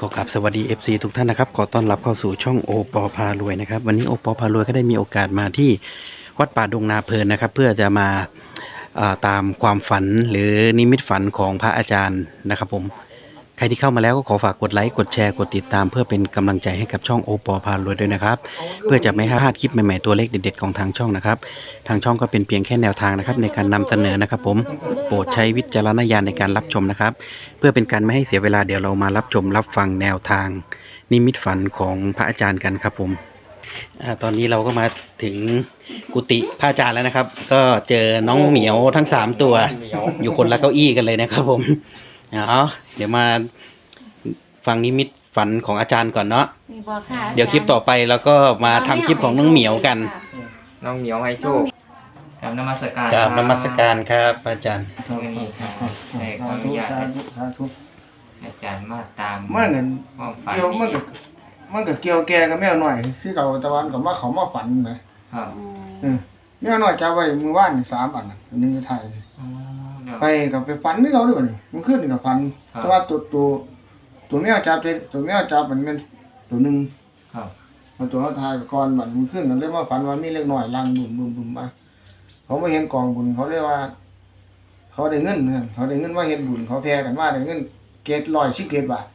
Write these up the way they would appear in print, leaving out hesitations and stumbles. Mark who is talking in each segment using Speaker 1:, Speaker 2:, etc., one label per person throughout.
Speaker 1: ขอกราบสวัสดี FC ทุกท่านนะครับขอต้อนรับเข้าสู่ช่องโอปอพารวยนะครับวันนี้โอปอพารวยก็ได้มีโอกาสมาที่วัดป่าดงนาเพลินนะครับเพื่อจะมาตามความฝันหรือนิมิตฝันของพระอาจารย์นะครับผมใครที่เข้ามาแล้วก็ขอฝากกดไลค์กดแชร์กดติดตามเพื่อเป็นกำลังใจให้กับช่องโอปอพารวยด้วยนะครับเพื่อจะไม่พลาดคลิปใหม่ๆตัวเลขเด็ดๆของทางช่องนะครับทางช่องก็เป็นเพียงแค่แนวทางนะครับในการนำเสนอนะครับผมโปรดใช้วิจารณญาณในการรับชมนะครับเพื่อเป็นการไม่ให้เสียเวลาเดี๋ยวเรามารับชมรับฟังแนวทางนิมิตฝันของพระอาจารย์กันครับผมตอนนี้เราก็มาถึงกุฏิพระอาจารย์แล้วนะครับก็เจอน้องเหมียวทั้ง3ตัวอยู่คนละเก้าอี้กันเลยนะครับผมเดี๋ยวมาฟังนิมิตฝันของอาจารย์ก่อนเนาะเดี๋ยวคลิปต่อไปแล้วก็มาทำคลิปของน้องเหมียวกัน
Speaker 2: น้องเหมียวให้โชคกราบนมัสการ
Speaker 1: กราบนมัสการครับอาจารย์
Speaker 2: นี่ครับในขออนุญาตอาจารย์มาตาม
Speaker 3: มันเงิน
Speaker 2: ความฝัน
Speaker 3: เกี่ยวมันก็เกี่ยวแกกับแมวหน่อยคือเก่าตะวันก็มาเขามาฝันนะครับแมวหน่อยจะไว้มือว่าน3 อันอันนึงไทยไปกับไปฝันนี่เขาด้วยมันมันขึ้นกับฝันแต่ว่าตัวแมวจับตัวแมวจับมันเป็นตัวนึง
Speaker 2: ครับ
Speaker 3: มันตัวเขาทายก่อนมันขึ้นแล้วเลยมาฝันว่ามีเล็กน้อยลังบุ่มมาเขาไม่เห็นกองบุญเขาเรียกว่าเขาได้เงินเขาได้เงินว่าเห็นบุญเขาแพ้กันว่าได้เงิน717 บาท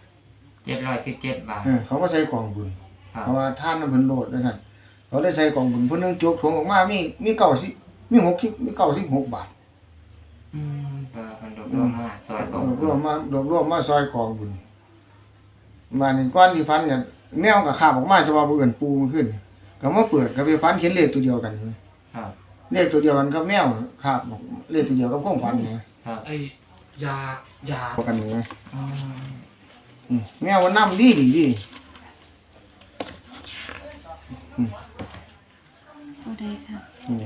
Speaker 2: 717 บาท
Speaker 3: เขาก็ใส่กองบุญเพราะว่าท่านมันเพิ่นโลดนะครับเขาได้ใส่กองบุญเพิ่นนึงจกถุงออกมามี90มี60มี96 บาท
Speaker 2: มันรวมมาซอยกอง
Speaker 3: รวมมาซอยกองบุญมานี่ก้อนที่พันกันแมวก็คาบออกมาจะว่าบ่เอิ้นปูมันขึ้นก็มาเปิดก็ไปพันเขียนเลขตัวเดียวกัน
Speaker 2: ครับ
Speaker 3: เลขตัวเดียวกันกับแมวคาบเลขตัวเดียวกับของพันนี่
Speaker 2: ครับยา
Speaker 3: กันนี่แมวมันนำดี
Speaker 4: ตัวใดครับ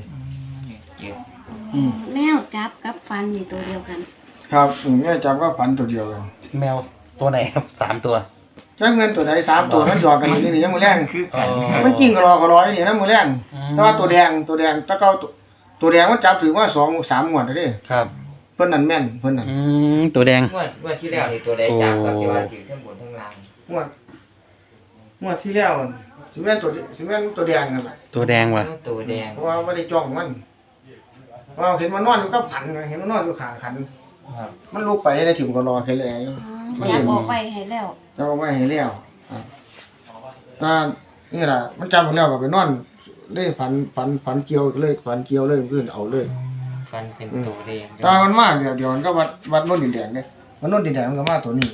Speaker 2: แม
Speaker 4: วจับกับฟันนี่ตัวเดียวกัน
Speaker 3: ครับแมวจับก็พันตัวเดียวกัน
Speaker 1: แมวตัวไหนครับ3ตัว
Speaker 3: ใช้เงินตัวใด3 ตัวมันหยอกกันนี่ยังมือแรงมันจริงก็รอนี่นะมือแรงแต่ว่าตัวแดงตะเก้าตัวแดงมันจับถือว่า2-3 งวดเด้
Speaker 1: ครับ
Speaker 3: เพิ่นนั่นแม่นเพิ่นนั่น
Speaker 1: ตัวแดง
Speaker 2: งวดที่แล้วนี่ตัวใดจับกับที่ว่าถือทั้งบนทั้งล่าง
Speaker 3: งวดที่แล้วสิแม่นตัวแดงนั่นแหละ
Speaker 1: ตัวแดงว่ะ
Speaker 2: ตัวแดง
Speaker 3: เพราะว่าบ่ได้จ้องมันว่าเห็นมันนอนอยู่กับขันเห็นมันนอนอยู่ข้างขันมันลุกไปได้ถึงก็รอแค่แล้ว
Speaker 4: มันจับออกไปให้แล้ว
Speaker 3: จับออกไปให้แล้วถ้านี่ล่ะมันจับหมดแล้วก็ไปนอนเลยฝันเกี่ยวเลยขึ้นเอาเลย
Speaker 2: ฟันเป็นตัวแดง
Speaker 3: ตามันมาเดี๋ยวมันก็วัดโน่นดินแดงเนี่ยมันโน่นดินแดงมันก็มาตัวนี้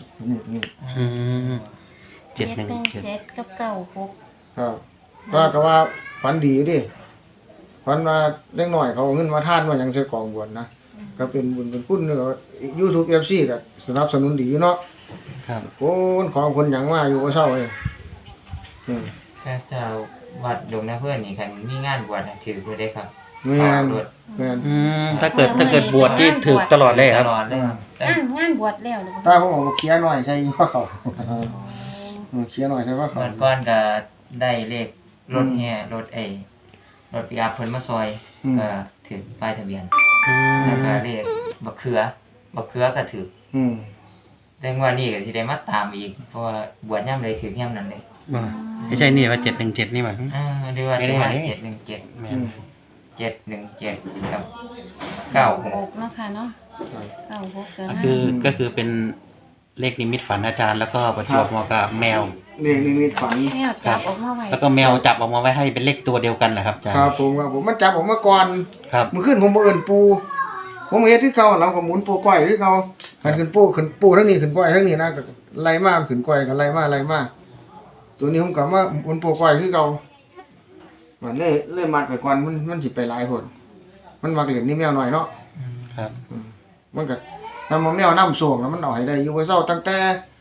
Speaker 4: 717กับ96
Speaker 3: ครับก็ว่าฝันดีดิฝันว่าเล็กน้อยเขาเอาเงินมาทานว่าหยังใส่กองบุญนะก็เป็นบุญเป็นคุณเนาะ YouTube FC ก็สนับสนุนดีเนาะ
Speaker 1: ครับ
Speaker 3: คนของคนหยังมาอยู่บ่เซาเลย
Speaker 2: ถ้าเจ้าวัดดงนาเพื่อนนี่คันมีงานบวชถือบ่ได้ครับ
Speaker 3: แม่น
Speaker 1: ถ้าเกิดบวชที่ถือตลอดเลยครับ
Speaker 2: ตลอดเลย
Speaker 4: งานบวชแล้วหรือ
Speaker 3: ถ้าผมเอาเคลียร์หน่อยใช่ว่าเขาเคลียร์หน่อยใช่ว่าเขา
Speaker 2: ก่อนก็ได้เลขรถแห่รถปิกอัพเพิ่นมาซอยก็ถือป้ายทะเบียนแล้วก็เลขบักเขือก็ถือแต่งวดนี้ก็สิได้มาตามอีกเพราะว่าบวชยามใดถือยามนั้นเลย
Speaker 1: ไม่ใช่นี่ว่า717นี่หว่า
Speaker 2: หรือว่า717แม่น717ครับ
Speaker 4: 96นะคะเนาะ96
Speaker 1: ก็คือเป็นเลขนิมิตฝันอาจารย์แล้วก็ประจวบเหมาะกับแมว
Speaker 3: เลขนิมิตฝัน
Speaker 4: แมวจับออกมาไว้
Speaker 1: แล้วก็แมวจับออกมาไว้ให้เป็นเลขตัวเดียวกันแหละครับอาจารย์
Speaker 3: ครับผมมันจับออกมาก่อนมื้อคืนผมบ่เอิ้นปูผมเฮ็ดคือเก่าเราก็หมุนปูก้อยคือเก่าหันขึ้นปูทั้งนี้ขึ้นก้อยทั้งนี้นะก็ไล่มาขึ้นก้อยก็ไล่มาตัวนี้ผมก็มาหมุนปูก้อยคือเก่ามันเลยมัดไปก่อนมันสิไปหลายคนมันมักเล่นนี่แมวน้อยเนาะ
Speaker 1: ครับ
Speaker 3: มันก็นำแมวน้ำส่งแล้วมันเอาให้ได้อยู่บ่เซาตั้งแต่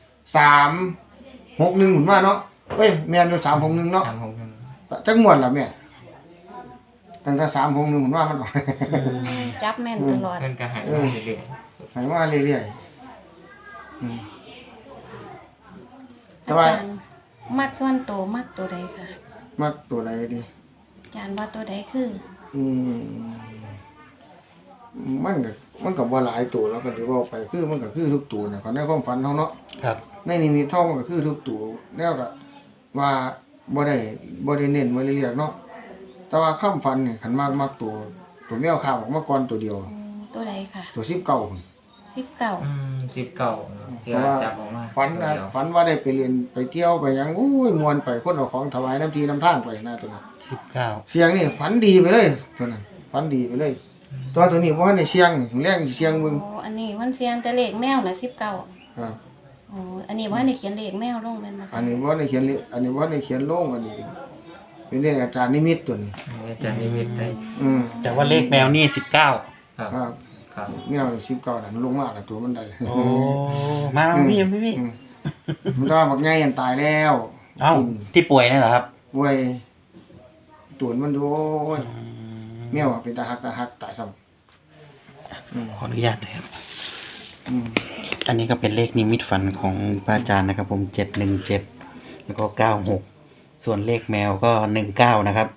Speaker 3: 361หมุนมาเนาะเอ้ยแม่นอยู่361เนาะจักม่วนล่ะแม่ตั้งแต่361หมุนมามัน
Speaker 4: จับแม่นตลอด
Speaker 2: เพิ่นก็ให้มาเรื่อย
Speaker 3: ๆให้มาเรื่อยๆแต่ว่า
Speaker 4: มักส่วนโตมักตัวใดค่ะ
Speaker 3: มักตัวใดดิ
Speaker 4: อาจารย์ว่าตัวใดคือ
Speaker 3: มันก็บ่หลายตัวแล้วก็ที่ว่าไปคือมันก็คือทุกตัวน่ะก็ในความฝันเฮาเนาะ
Speaker 1: ครับ
Speaker 3: ในนิมิตเฮามันก็คือทุกตัวแล้วก็ว่าบ่ได้เน้นบ่ได้เรียกเนาะแต่ว่าคำฝันนี่คันมักตัวแมวข้าวออกมาก่อนตัวเดียว
Speaker 4: โอ้ตัวใดค่ะ
Speaker 3: ตัว19พุ่น
Speaker 4: 19
Speaker 2: 19เจอจับออกมา
Speaker 3: ฝันนะฝันว่าได้ไปเรียนไปเที่ยวไปหยังโอ้ยม่วนไปคนเอาของถวายน้ำทีน้ำทางไปนะตัวนั้น
Speaker 1: 19
Speaker 3: เสียงนี่ฝันดีไปเลยตัวนั้นฝันดีไปเลย ตัวนี้บ่ทันได้เสียงแรงสิเสียงมึง
Speaker 4: โอ้อันนี้มันเสียงแต่เลขแมวน่ะ19
Speaker 3: ครับ
Speaker 4: โอ้อันนี้บ่ทันได้เขียนเลขแมวลงแม่นบ่
Speaker 3: อั
Speaker 4: คะ
Speaker 3: นนี้บ่ได้เขียนเลยอันนี้บ่ได้เขียนลงอันนี้เป็นเรื่องอาจารย์นิมิตตัวนี้
Speaker 2: อาจารย์นิมิตได้
Speaker 1: แต่ว่าเลขแมวนี่19
Speaker 2: ครับ
Speaker 3: ครับ
Speaker 2: ครับ
Speaker 3: แมว19นั่นลงมาแล้วตัวมันได้
Speaker 1: โอ้มาพี่
Speaker 3: อืมมันว่าบักใหญ่อันตายแล้ว
Speaker 1: เอ้าที่ป่วยนี่เหรอครับ
Speaker 3: ป่วยตัวมันดูโอ้ยแมวอะเป็นตาหักตายซ้ำ
Speaker 1: ขออนุญาตนะครับ
Speaker 3: อืม
Speaker 1: อันนี้ก็เป็นเลขนิมิตฝันของพระอาจารย์นะครับผม717แล้วก็96ส่วนเลขแมวก็19นะครับ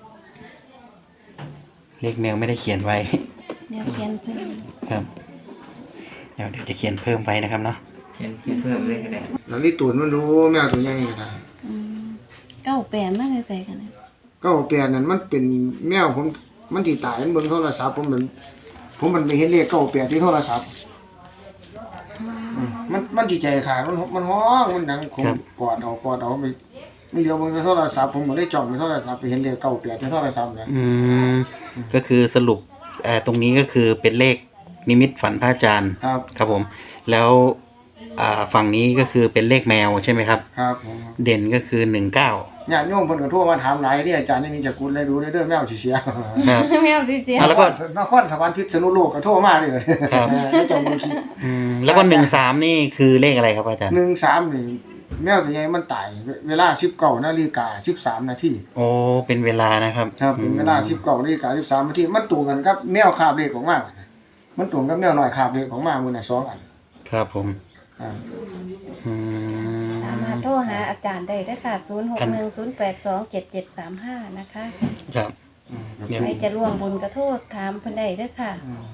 Speaker 1: เลขแมวไม่ได้เขียนไว้
Speaker 4: เดี๋ยวเขียนเพิ่ม
Speaker 1: ครับเดี๋ยวจะเขียนเพิ่มไว้นะครับเนาะ
Speaker 2: เขียนเพิ่มเลยก็ได้
Speaker 3: แล้วนี่ตูนมันดูแมวตัวใหญ่ก็ได้
Speaker 4: 98มาใส่กันนะ
Speaker 3: ก็เปลี่ยนนั่นมันเป็นแมวผมมันสิตายมันเบิ่งโทรศัพท์ผมมันไปเห็นเลขเก้าแปดที่โทรศัพท์มันสิใจขาดมันฮ้องมันดังคงกอดเอาไปมันเลี้ยวเบิ่งในโทรศัพท์ผมก็ได้จ้องในโทรศัพท์ไปเห็นเลขเก้าแปดในโทรศัพท์เนี่ย
Speaker 1: ก็คือสรุปตรงนี้ก็คือเป็นเลขนิมิตฝันพระอาจารย์
Speaker 3: ครับ
Speaker 1: ครับผม แล้วฝั่งนี้ก็คือเป็นเลขแมวใช่ไหมครับ
Speaker 3: ครับผม
Speaker 1: เด่นก็คือ19
Speaker 3: ญาติโยมเพิ่นก็โทรมาถามหลายที่อาจารย์นี่มีจักกุลได้ดูได้เด้อแมวสิเสีย
Speaker 1: ครับ
Speaker 4: แมวสิเสีย
Speaker 1: แล้วก็
Speaker 3: นครสวรรค์พิษณุโลกก็โทรมาเลย
Speaker 1: ครับ
Speaker 3: แล้วเจ้าบ่คิด
Speaker 1: แล้วก็13นี่คือเลขอะไรครับอาจารย์
Speaker 3: 13นี่แมวตัวใหญ่มันตายเวลา 19 นาฬิกา 13 นาที
Speaker 1: โอ้เป็นเวลานะครับ
Speaker 3: ครับเป็นเวลา 19 นาฬิกา 13 นาทีมันตรงกันกับแมวคาบเลขของมามันตรงกับแมวน้อยคาบเลขของมามื้อน่ะ2อัน
Speaker 1: ครับผม
Speaker 3: ครับ
Speaker 1: อืม
Speaker 4: สามารถโทรหาอาจารย์ได้เด้อค่ะ0610827735นะคะ
Speaker 1: ครับเนี่ย
Speaker 4: ใครจะร่วมบุญก็โทษถามเพิ่นได้เด้อค่ะ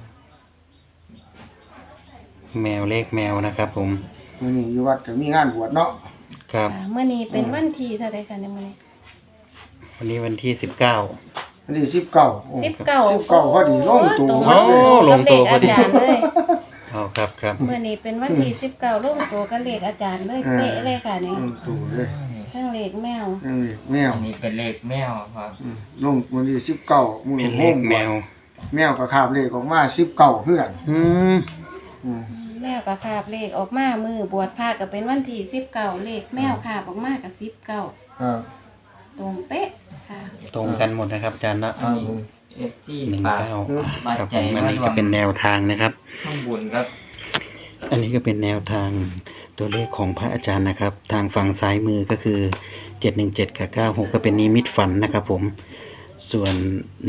Speaker 1: แมวเลขแมวนะครับผม
Speaker 3: มื้อนี้อยู่วัดก็มีงานบวชเนาะ
Speaker 1: ครับ
Speaker 4: เมื่อนี้เป็นวันที่เท่าใดคะในมื้อนี้
Speaker 1: วันนี้วันที่19
Speaker 3: อันนี้19โอ้
Speaker 4: 19
Speaker 3: พอดีลงตัว
Speaker 4: ตรง
Speaker 1: โอ้ลงตัวพอดี
Speaker 4: กับเลขอาจารย์เลย
Speaker 1: เอาครับครับ
Speaker 4: เมื่อนี้เป็นวันที่19ลงตัวกับเลขอาจารย์เลยเป๊ะเลยค่ะนี่
Speaker 3: ลงตัวเลย
Speaker 4: ทั้งเลขแมว
Speaker 3: นั่นนี่แมว
Speaker 2: อันนี้เป็นเลขแมวครับ
Speaker 3: ลงวันที่19มื้อ
Speaker 1: เป็นเลขแมว
Speaker 3: แมวก็คาบเลขออกมา19คือกัน
Speaker 1: อืม
Speaker 3: อืม
Speaker 4: แมวก็คาบเลขออกมามือบวชพระก็เป็นวันที่19เลขแมวคาบออกมากับ19
Speaker 3: ครับ
Speaker 4: ตรงเป๊ะค่ะ
Speaker 1: ตรงกันหมดนะครับอาจารย์นะ
Speaker 2: อันนี้เอฟซี
Speaker 1: 19
Speaker 2: ฝาก
Speaker 1: อ่ะครับผมอันนี้ก็เป็นแนวทางนะครับ
Speaker 2: ข้างบุญครับ
Speaker 1: อันนี้ก็เป็นแนวทางตัวเลขของพระอาจารย์นะครับ ทางฝั่งซ้ายมือก็คือ717กับ96ก็เป็นนิมิตฝันนะครับผมส่วน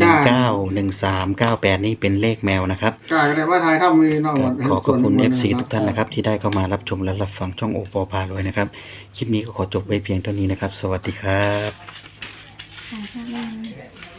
Speaker 1: 191398นี่เป็นเลขแมวนะครับ
Speaker 3: กายก็ได้ว่าทายทำมีน้อง
Speaker 1: ขอขอบคุณ FC ทุกท่านนะครับที่ได้เข้ามารับชมและรับฟังช่องโอปอพารวยนะครับคลิปนี้ก็ขอจบไว้เพียงเท่านี้นะครับ สวัสดีครับ
Speaker 4: ค่ะ